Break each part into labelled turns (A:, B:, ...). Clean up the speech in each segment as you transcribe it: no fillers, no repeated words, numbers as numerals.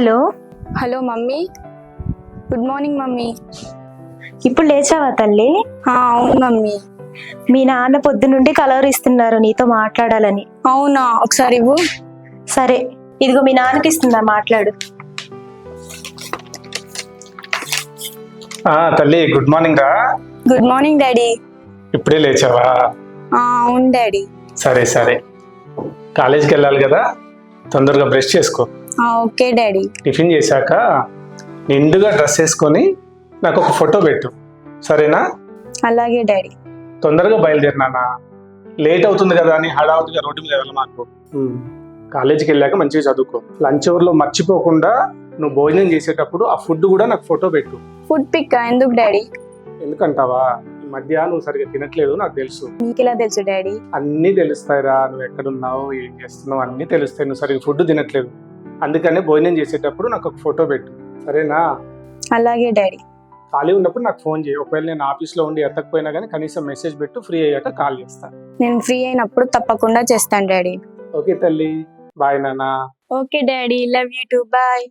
A: Hello.
B: Hello mummy, good morning mummy.
A: ఇప్పుడు లేచావా తల్లి?
B: అవును మమ్మీ.
A: మీ నాన్న పొద్దు నుండి కలవరిస్తున్నారు నీతో మాట్లాడాలని.
B: అవునా, ఒకసారి ఇవ్వు.
A: సరే, ఇదిగో మీ నాన్నకి ఇస్తుందా, మాట్లాడు.
C: తల్లి గుడ్ మార్నింగ్ రా.
B: Good morning daddy.
C: ఇప్పుడే లేచావా?
B: అవును డాడీ.
C: సరే సరే, కాలేజీకి వెళ్ళాలి కదా, తొందరగా బ్రష్ చేసుకో.
B: Okay daddy.
C: టిఫిన్ చేశాక నిండుగా డ్రెస్ వేసుకొని నాకు ఒక ఫోటో పెట్టు, సరేనా?
B: అలాగే డాడీ.
C: తొందరగా బయలుదేరినానా, లేట్ అవుతుంది కదా అని హడావుడిగా రోడ్డు మీద వెళ్ళ మాకు. కాలేజీకి వెళ్ళాక మంచిగా చదువుకో. లంచ్ అవర్లో మర్చిపోకుండా నువ్వు భోజనం చేసేటప్పుడు ఆ ఫుడ్ కూడా నాకు ఫోటో పెట్టు.
B: ఫుడ్ పిక్ ఎందుకు డాడీ?
C: ఎందుకంటావా, ఈ మధ్య నువ్వు సరిగ్గా తినట్లేదు నాకు తెలుసు.
B: మీకు ఎలా తెలుసు డాడీ?
C: అన్నీ తెలుస్తాయిరా, నువ్వు ఎక్కడున్నావు, ఏం చేస్తున్నావు అన్నీ తెలుస్తాయి. నువ్వు సరిగ్గా ఫుడ్ తినట్లేదు, అందుకనే భోజనం చేసేటప్పుడు నాకు ఒక ఫోటో పెట్టు, సరేనా?
B: అలాగే డాడీ.
C: ఖాళీ ఉన్నప్పుడు నాకు ఫోన్ చేయి. ఒకవేళ నేను ఆఫీస్లో ఉండి ఎత్తకపోయినా కానీ కనీసం మెసేజ్ పెట్టు, ఫ్రీ అయ్యాక కాల్ చేస్తాను.
B: నేను ఫ్రీ అయినప్పుడు తప్పకుండా చేస్తాను డాడీ.
C: ఓకే తల్లి, బాయ్ నాన్న.
B: Okay daddy, love you too, bye.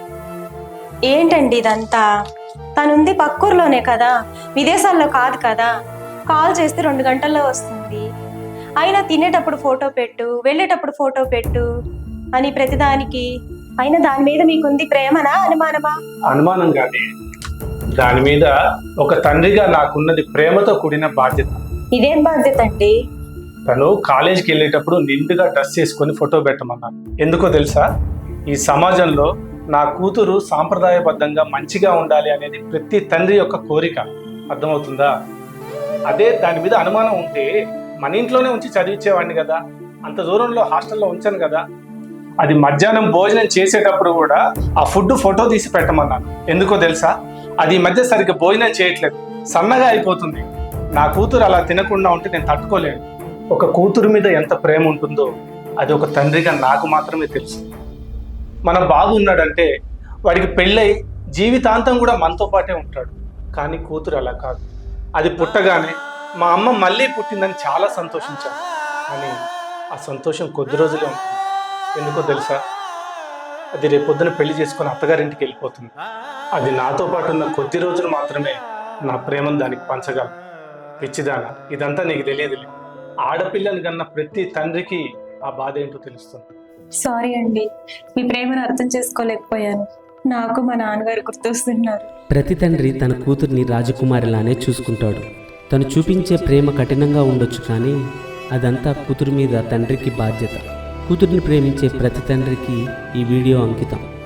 A: ఏంటండి ఇదంతా? తనుంది పక్కూరులోనే కదా, విదేశాల్లో కాదు కదా. కాల్ చేస్తే 2 గంటల్లో వస్తుంది. అయినా తినేటప్పుడు ఫోటో పెట్టు, వెళ్ళేటప్పుడు ఫోటో పెట్టు అని ప్రతిదానికి. అయినా దాని మీద మీకుంది ప్రేమనా అనుమానమా?
C: అనుమానం కానీ దాని మీద ఒక తండ్రిగా నాకున్నది ప్రేమతో కూడిన బాధ్యత.
A: ఇదేం బాధ్యత అండి?
C: తను కాలేజీకి వెళ్ళేటప్పుడు నిండుగా డ్రెస్ చేసుకొని ఫోటో పెట్టమన్నాను. ఎందుకో తెలుసా? ఈ సమాజంలో నా కూతురు సాంప్రదాయబద్ధంగా మంచిగా ఉండాలి అనేది ప్రతి తండ్రి యొక్క కోరిక, అర్థమవుతుందా? అదే దాని మీద అనుమానం ఉంటే మన ఇంట్లోనే ఉంచి చదివించేవాడిని కదా, అంత దూరంలో హాస్టల్లో ఉంచాను కదా. అది మధ్యాహ్నం భోజనం చేసేటప్పుడు కూడా ఆ ఫుడ్ ఫోటో తీసి పెట్టమన్నాను. ఎందుకో తెలుసా? అది ఈ మధ్య సరిగ్గా భోజనం చేయట్లేదు, సన్నగా అయిపోతుంది. నా కూతురు అలా తినకుండా ఉంటే నేను తట్టుకోలేను. ఒక కూతురు మీద ఎంత ప్రేమ ఉంటుందో అది ఒక తండ్రిగా నాకు మాత్రమే తెలుసు. మన బాబు ఉన్నాడంటే వాడికి పెళ్ళై జీవితాంతం కూడా మనతో పాటే ఉంటాడు. కానీ కూతురు అలా కాదు. అది పుట్టగానే మా అమ్మ మళ్ళీ పుట్టిందని చాలా సంతోషించాను. కానీ ఆ సంతోషం కొద్ది రోజులే ఉంటుంది. ఎందుకో తెలుసా? అది రేపొద్దున పెళ్లి చేసుకొని అత్తగారింటికి వెళ్ళిపోతుంది. అది నాతో పాటు ఉన్న కొద్ది రోజులు మాత్రమే నా ప్రేమను దానికి పంచగలను. పిచ్చిదానా, ఇదంతా నీకు తెలియదులే. ఆడపిల్లని కన్నా ప్రతి తండ్రికి ఆ బాధ ఏంటో తెలుస్తుంది.
A: సారీ అండి, మీ ప్రేమను అర్థం చేసుకోలేకపోయాను. నాకు మా నాన్నగారు గుర్తొస్తున్నారు.
D: ప్రతి తండ్రి తన కూతుర్ని రాజకుమారిలానే చూసుకుంటాడు. తను చూపించే ప్రేమ కఠినంగా ఉండొచ్చు, కానీ అదంతా కూతురు మీద తండ్రికి బాధ్యత. కూతుర్ని ప్రేమించే ప్రతి తండ్రికి ఈ వీడియో అంకితం.